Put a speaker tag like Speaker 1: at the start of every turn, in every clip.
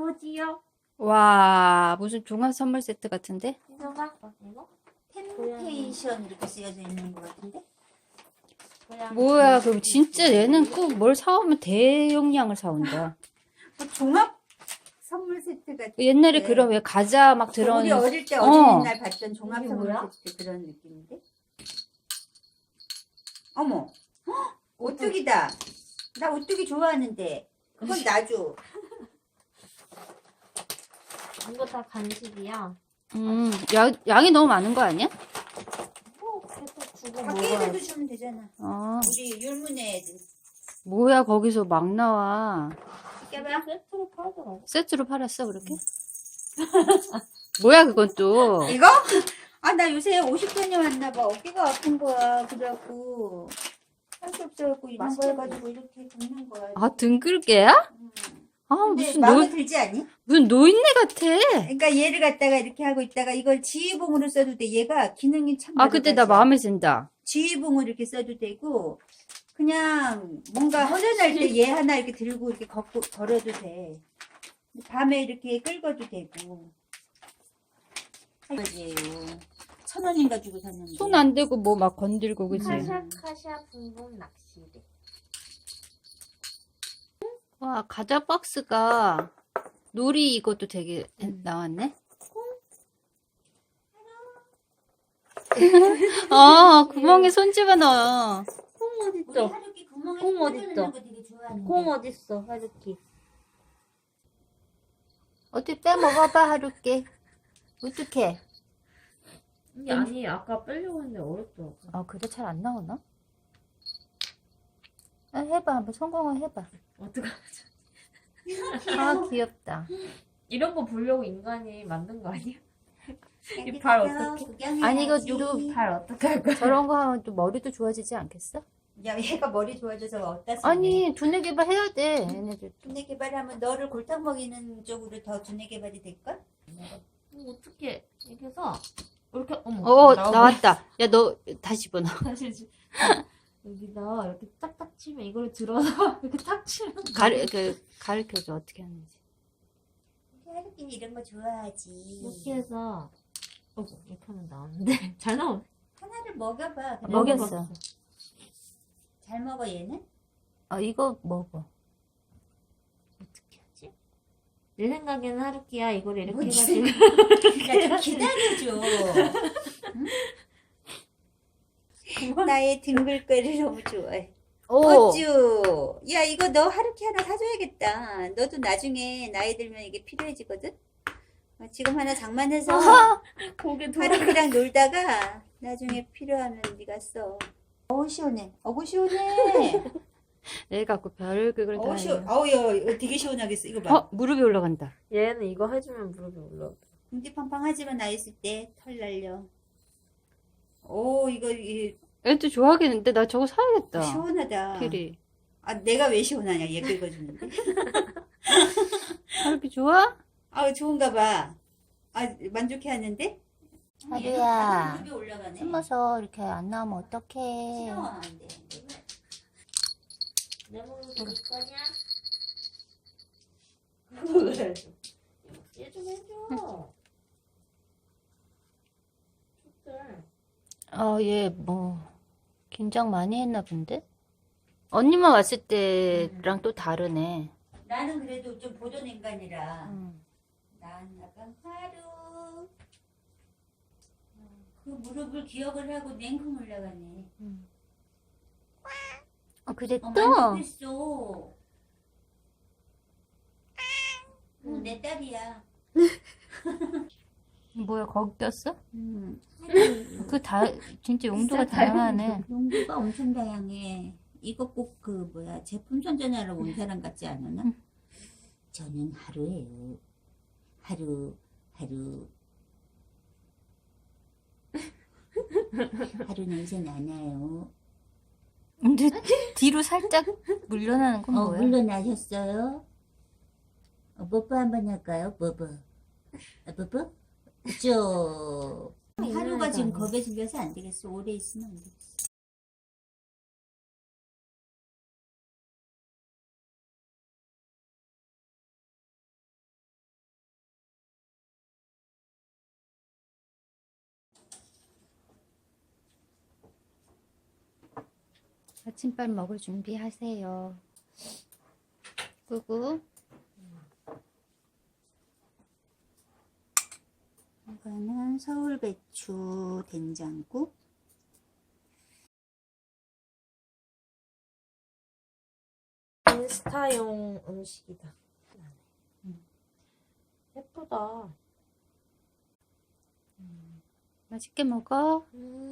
Speaker 1: 보지요.
Speaker 2: 와, 무슨 종합 선물 세트 같은데?
Speaker 1: 이거가 이거?
Speaker 3: 템테이션 이렇게 쓰여져 있는 것 같은데?
Speaker 2: 뭐야, 그럼 진짜 얘는 꼭 뭘 사오면 대용량을 사온다.
Speaker 3: 뭐 종합 선물 세트 같은.
Speaker 2: 옛날에
Speaker 3: 네.
Speaker 2: 그런 왜 과자 막 들어온.
Speaker 3: 우리 어릴 때
Speaker 2: 어.
Speaker 3: 어린이날 봤던 종합
Speaker 1: 이게
Speaker 3: 선물
Speaker 1: 뭐야?
Speaker 3: 세트 그런 느낌인데? 어머, 헉, 오뚜기다. 나 오뚜기 좋아하는데 그건 놔줘.
Speaker 1: 이거 다 간식이야.
Speaker 2: 양이 너무 많은 거 아니야?
Speaker 1: 계속 주고
Speaker 3: 밖에 애들도
Speaker 1: 먹어야지.
Speaker 3: 주면 되잖아.
Speaker 2: 어,
Speaker 3: 우리 율무네 애들.
Speaker 2: 뭐야, 거기서 막 나와.
Speaker 3: 깨봐.
Speaker 1: 세트로 팔더라고.
Speaker 2: 세트로 팔았어, 그렇게? 뭐야, 그건 또.
Speaker 3: 이거? 아, 나 요새 50편이 왔나 봐. 어깨가 아픈 거야. 그래갖고 할 수 없어갖고 이런 거
Speaker 1: 맛있겠네.
Speaker 3: 해가지고 이렇게 굽는 거야.
Speaker 2: 아, 등글개야? 아,
Speaker 3: 근데
Speaker 2: 무슨
Speaker 3: 마음에 들지 않니?
Speaker 2: 무슨 노인네 같아.
Speaker 3: 그러니까 얘를 갖다가 이렇게 하고 있다가 이걸 지휘봉으로 써도 돼. 얘가 기능이 참
Speaker 2: 아, 그때 나
Speaker 3: 여러 가지야.
Speaker 2: 마음에 든다.
Speaker 3: 지휘봉을 이렇게 써도 되고 그냥 뭔가 허전할 때 얘 하나 이렇게 들고 이렇게 걸어도 돼. 밤에 이렇게 끌고도 되고. 이거지요. 1,000원인가 주고 샀는데.
Speaker 2: 손 안 대고 뭐 막 건들고, 그지?
Speaker 1: 카샤 붕붕 낚시대.
Speaker 2: 와, 과자 박스가 놀이 이것도 되게 나왔네. 아, 구멍에 손 집어넣어.
Speaker 1: 콩
Speaker 3: 우리
Speaker 1: 어딨어?
Speaker 3: 하루키 구멍에
Speaker 1: 콩
Speaker 3: 손
Speaker 1: 어딨어?
Speaker 3: 넣는 거 되게 좋아하는데.
Speaker 1: 콩 어딨어? 하루키.
Speaker 2: 어떻게 빼먹어봐, 하루께. 어떡해.
Speaker 1: 아니 아까 빼려고 했는데 어렵더라고.
Speaker 2: 아, 그래? 잘 안 나오나? 아, 해봐. 한번 성공을 해봐.
Speaker 1: 어떡하지?
Speaker 2: 아, 귀엽다.
Speaker 1: 이런 거 보려고 인간이 만든 거 아니야?
Speaker 3: 여기
Speaker 1: 발
Speaker 3: 가서
Speaker 1: 어떡해?
Speaker 3: 구경해야지.
Speaker 2: 아니, 이거 또
Speaker 1: 발 어떻게 할 거야?
Speaker 2: 저런 거 하면 또 머리도 좋아지지 않겠어?
Speaker 3: 야, 얘가 머리 좋아져서 어디다 쓰니?
Speaker 2: 아니, 두뇌 개발 해야 돼. 얘네들.
Speaker 3: 두뇌 개발하면 너를 골탕 먹이는 쪽으로 더 두뇌 개발이 될걸?
Speaker 1: 어떻게 이렇게 해서 이렇게 어머
Speaker 2: 나왔다. 야, 너 다시 집어넣어.
Speaker 1: 다시 여기다 이렇게 딱딱 치면 이걸 들어서 이렇게 탁 치면
Speaker 2: 가르쳐줘, 어떻게 하는지.
Speaker 3: 하루키는 이런 거 좋아하지.
Speaker 1: 이렇게 해서 이렇게 하면 나오는데 잘 나오네.
Speaker 3: 하나를 먹여봐. 그래.
Speaker 2: 먹였어.
Speaker 3: 잘 먹어 얘는?
Speaker 2: 이거 먹어.
Speaker 1: 어떻게 하지? 내 생각에는 하루키야 이걸 이렇게
Speaker 3: 뭐지?
Speaker 1: 해가지고
Speaker 3: 야, 좀 기다려줘. 응? 나의 등글거리를 너무 좋아해.
Speaker 2: 오,
Speaker 3: 어쭈. 야, 이거 너 하루키 하나 사줘야겠다. 너도 나중에 나이 들면 이게 필요해지거든? 지금 하나 장만해서
Speaker 1: 고개 돌아.
Speaker 3: 하루키랑 놀다가 나중에 필요하면 네가 써. 어우, 시원해. 어우, 시원해.
Speaker 2: 애 갖고 별극을 다
Speaker 3: 어우,
Speaker 2: 해.
Speaker 3: 시원. 어우, 야, 이거 되게 시원하겠어. 이거 봐.
Speaker 2: 무릎이 올라간다.
Speaker 1: 얘는 이거 해주면 무릎이 올라.
Speaker 3: 궁디팡팡하지만 나 있을 때 털 날려. 오,
Speaker 2: 애도 좋아하겠는데 나 저거 사야겠다.
Speaker 3: 시원하다.
Speaker 2: 필이.
Speaker 3: 아, 내가 왜 시원하냐? 얘 긁어주는데.
Speaker 2: 하루키 좋아?
Speaker 3: 아, 좋은가 봐. 아, 만족해 하는데?
Speaker 2: 하루야,
Speaker 3: 무릎이 올라가네.
Speaker 2: 숨어서 이렇게 안 나오면 어떡해.
Speaker 3: 싫어. 안 돼.
Speaker 1: 내 몸을 볼 거냐? 얘 좀 해줘.
Speaker 2: 얘 긴장 많이 했나 본데? 언니만 왔을 때랑 또 다르네.
Speaker 3: 나는 그래도 좀 보존 인간이라.
Speaker 2: 음.
Speaker 3: 난 약간 하루. 그 무릎을 기억을 하고 냉큼 올라가네.
Speaker 2: 그래 또?
Speaker 3: 만족했어. 내 딸이야.
Speaker 2: 뭐야, 거기 꼈어?
Speaker 3: 하루.
Speaker 2: 진짜 용도가
Speaker 1: 진짜
Speaker 2: 다양하네.
Speaker 3: 용도가 엄청 다양해. 이거 꼭 제품 선전하러 온 사람 같지 않으나? 저는 하루예요. 하루. 하루 냄새 나나요?
Speaker 2: 근데 뒤로 살짝 물러나는 건 뭐야?
Speaker 3: 물러나셨어요? 뽀뽀 한번 할까요? 뽀뽀. 뽀뽀? 쭉. 하루가 지금 겁에 질려서 안 되겠어. 오래 있으면 안 되겠어.
Speaker 2: 아침밥 먹을 준비하세요. 그리고
Speaker 3: 이거는 서울배추 된장국.
Speaker 1: 인스타용 음식이다. 예쁘다.
Speaker 2: 맛있게 먹어.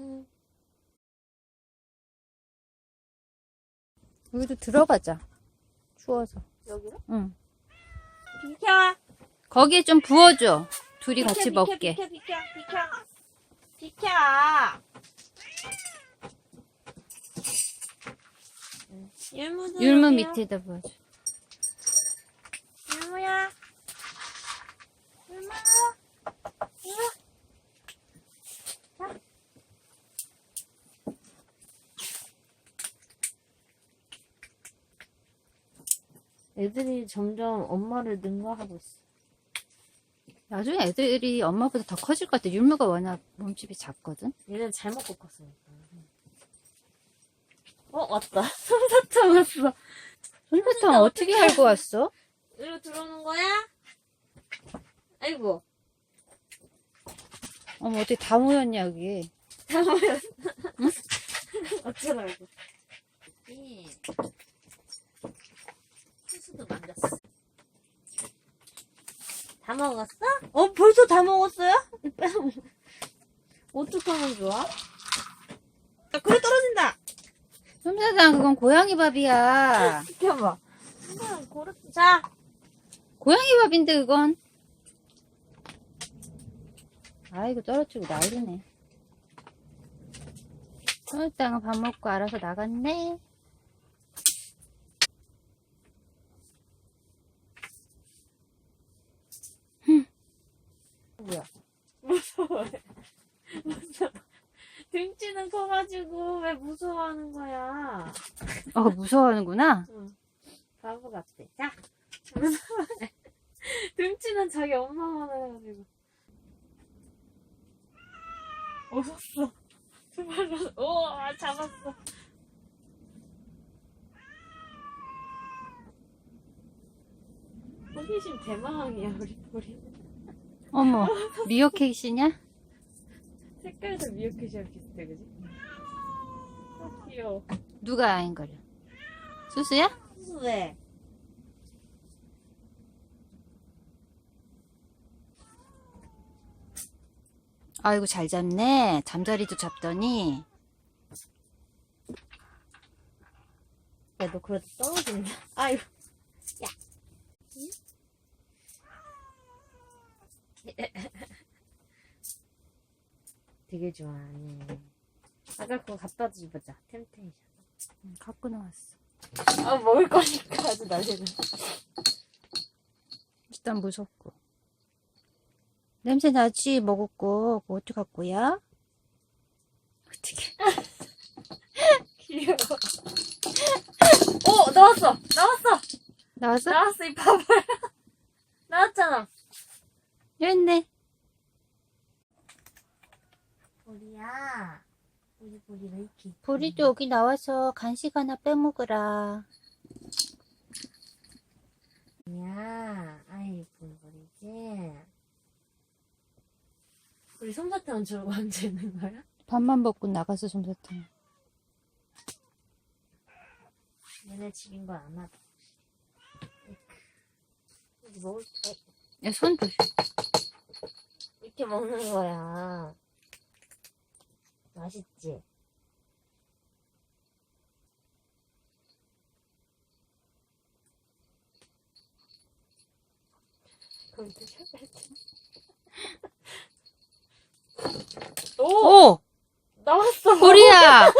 Speaker 2: 여기도 들어가자. 추워서.
Speaker 1: 여기로?
Speaker 2: 응.
Speaker 1: 비켜!
Speaker 2: 거기에 좀 부어줘. 둘이 같이 먹게.
Speaker 1: 비켜! 비켜!
Speaker 2: 율무 밑에다 부어줘.
Speaker 1: 율무야. 율무. 애들이 점점 엄마를 능가하고 있어.
Speaker 2: 나중에 애들이 엄마보다 더 커질 것 같아. 율무가 워낙 몸집이 작거든.
Speaker 1: 얘는 잘 먹고 컸으니까. 왔다. 솜사탕 왔어.
Speaker 2: 솜사탕 어떻게 알고 왔어?
Speaker 1: 이리로 들어오는 거야? 아이고.
Speaker 2: 어머, 어떻게 다 모였냐, 여기.
Speaker 1: 다 모였어. 응? 어쩌라고. 수수도 만졌어. 다 먹었어? 벌써 다 먹었어요? 어떡하면 좋아? 그래 떨어진다!
Speaker 2: 솜사탕, 그건 고양이 밥이야.
Speaker 1: 비켜봐. 자!
Speaker 2: 고양이 밥인데, 그건. 아이고, 떨어뜨리고 난리네. 솜사탕은 밥 먹고 알아서 나갔네.
Speaker 1: 뭐야? 무서워. 무서워. 등치는 커가지고 왜 무서워하는 거야?
Speaker 2: 무서워하는구나.
Speaker 1: 응. 바보 같아. 자! 무서워해. 등치는 자기 엄마만 해가지고. 없었어. 두 발로, 잡았어. 호기심 대망이야, 우리 보리.
Speaker 2: 어머, 미어캣이냐?
Speaker 1: 색깔도 미역캣이랑 비슷해, 그지? 귀여워.
Speaker 2: 누가 아인거려? 수수야?
Speaker 1: 왜?
Speaker 2: 아이고, 잘 잡네. 잠자리도 잡더니.
Speaker 1: 야, 너 그러다 떨어진다. 아이고. 야. 되게 좋아하네. 아까 그거 갖다 주보자. 템테이션.
Speaker 2: 갖고 나왔어.
Speaker 1: 먹을 거니까 아주 난리는.
Speaker 2: 일단 무섭고. 냄새 나지? 먹었고. 그거 어떻게 갖고 야? 어떻게.
Speaker 1: 귀여워. 나왔어!
Speaker 2: 나왔어?
Speaker 1: 나왔어, 이 바보야. 나왔잖아.
Speaker 2: 여기 있네.
Speaker 1: 보리야. 보리 왜 이렇게.
Speaker 2: 보리도 여기 나와서 간식 하나 빼먹으라.
Speaker 1: 야, 아이, 보리지. 우리 솜사탕은 주고 언제 있는 거야?
Speaker 2: 밥만 먹고 나가서 솜사탕.
Speaker 1: 얘네 집인 걸 안 하다. 이제 먹을 때
Speaker 2: 야, 손 조심.
Speaker 1: 이렇게 먹는 거야. 맛있지? 그럼 드셔야지.
Speaker 2: 오!
Speaker 1: 나왔어.
Speaker 2: 보리야!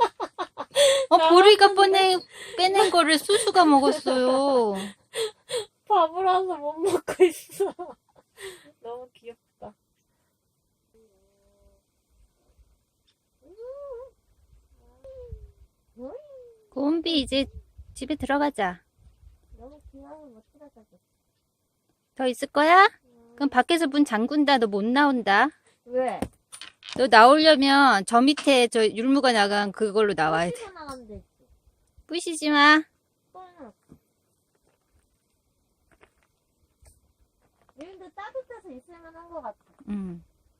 Speaker 2: 보리가 빼낸 거를 수수가 먹었어요.
Speaker 1: 바보라서 못 먹고 있어. 너무 귀엽다.
Speaker 2: 곰비, 이제 집에 들어가자.
Speaker 1: 너무 귀여워. 못 들어가겠어.
Speaker 2: 더 있을 거야? 그럼 밖에서 문 잠근다. 너 못 나온다.
Speaker 1: 왜?
Speaker 2: 너 나오려면 저 밑에 저 율무가 나간 그걸로 나와야 돼.
Speaker 1: 나가면 되지.
Speaker 2: 부시지 마.
Speaker 1: 여기도 따뜻해서 있을만 한 것 같아.
Speaker 2: 응.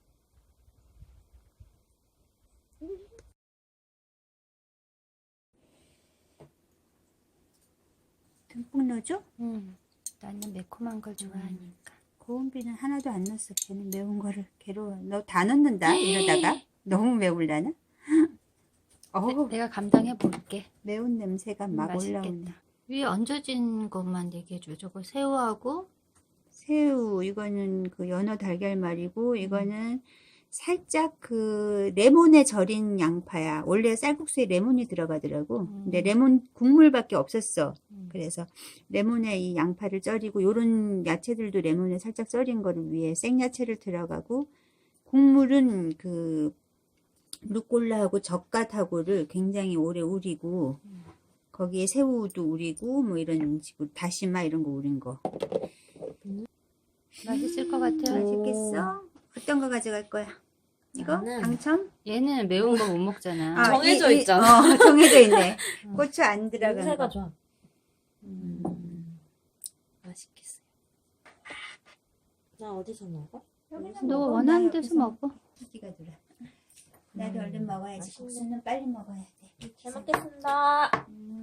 Speaker 3: 듬뿍 넣어줘?
Speaker 2: 응. 나는 매콤한 걸 좋아하니까.
Speaker 3: 고은비는 하나도 안 넣었어. 걔는 매운 거를 괴로워. 너 다 넣는다 이러다가 너무 매울라나? 어우
Speaker 2: 내가 감당해 볼게.
Speaker 3: 매운 냄새가 막 올라오네.
Speaker 2: 맛있겠다. 위에 얹어진 것만 얘기해줘. 저거 새우하고
Speaker 3: 새우 이거는 그 연어 달걀말이고 이거는 살짝 그 레몬에 절인 양파야. 원래 쌀국수에 레몬이 들어가더라고. 근데 레몬 국물밖에 없었어. 그래서 레몬에 이 양파를 절이고 요런 야채들도 레몬에 살짝 절인 거를 위해 생야채를 들어가고 국물은 그 루꼴라하고 젓갓하고를 굉장히 오래 우리고 거기에 새우도 우리고 뭐 이런 식으로 다시마 이런 거 우린 거.
Speaker 2: 맛있을 것 같아요.
Speaker 3: 맛있겠어? 어떤 거 가져갈 거야? 이거?
Speaker 1: 나는-
Speaker 3: 당첨?
Speaker 2: 얘는 매운 거 못 먹잖아.
Speaker 1: 정해져 있잖아.
Speaker 3: 정해져 있네. 고추 안 들어간
Speaker 1: 냄새가
Speaker 3: 거.
Speaker 1: 좋아. 맛있겠어요. 나 어디서 먹어?
Speaker 3: 여기서
Speaker 2: 너
Speaker 3: 먹어.
Speaker 2: 원하는
Speaker 3: 나
Speaker 2: 데서
Speaker 3: 여기서
Speaker 2: 먹어.
Speaker 3: 기가 돌아. 나도 얼른 먹어야지.
Speaker 1: 맛있네.
Speaker 3: 국수는 빨리 먹어야 돼.
Speaker 1: 잘 먹겠습니다.
Speaker 3: 음.